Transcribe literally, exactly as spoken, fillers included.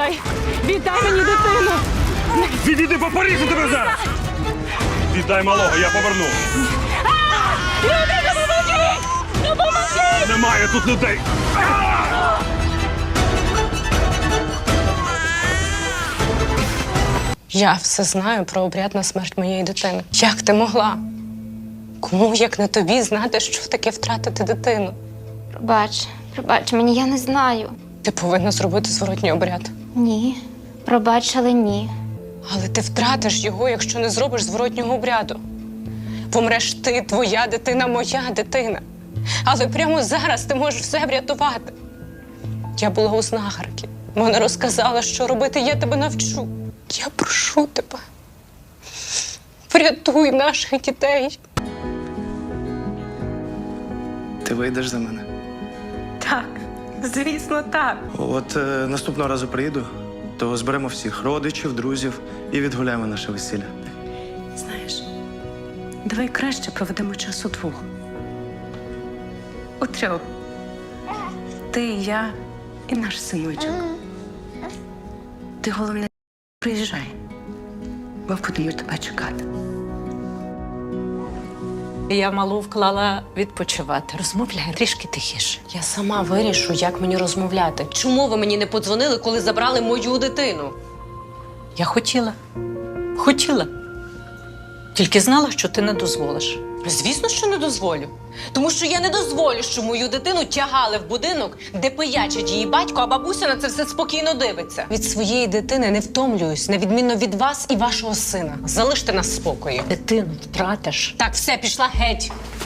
Віддай! Віддай мені дитину! Відійди, попоріжу тебе зараз! Віддай малого, я поверну. Люди, допоможіть! Допоможіть! Немає тут людей. Я все знаю про обряд на смерть моєї дитини. Як ти могла? Кому, як не тобі, знати, що таке втратити дитину? Пробач, пробач мені, я не знаю. Ти повинна зробити зворотній обряд. Ні. Пробач, але ні. Але ти втратиш його, якщо не зробиш зворотнього обряду. Помреш ти, твоя дитина, моя дитина. Але прямо зараз ти можеш все врятувати. Я була у знахарки. Вона розказала, що робити, я тебе навчу. Я прошу тебе. Врятуй наших дітей. Ти вийдеш за мене? Так, звісно, так. От е, наступного разу приїду, то зберемо всіх родичів, друзів і відгуляємо наше весілля. Знаєш, давай краще проведемо час удвох. У трьох. Ти, я і наш синочок. Ти, головне, приїжджай, бо будемо тебе чекати. Я малу вклала відпочивати. Розмовляй трішки тихіше. Я сама вирішу, як мені розмовляти. Чому ви мені не подзвонили, коли забрали мою дитину? Я хотіла. Хотіла. Тільки знала, що ти не дозволиш. Звісно, що не дозволю. Тому що я не дозволю, що мою дитину тягали в будинок, де пиячить її батько, а бабуся на це все спокійно дивиться. Від своєї дитини не втомлююсь, на відміну від вас і вашого сина. Залиште нас в спокої. Дитину втратиш. Так, все, пішла геть.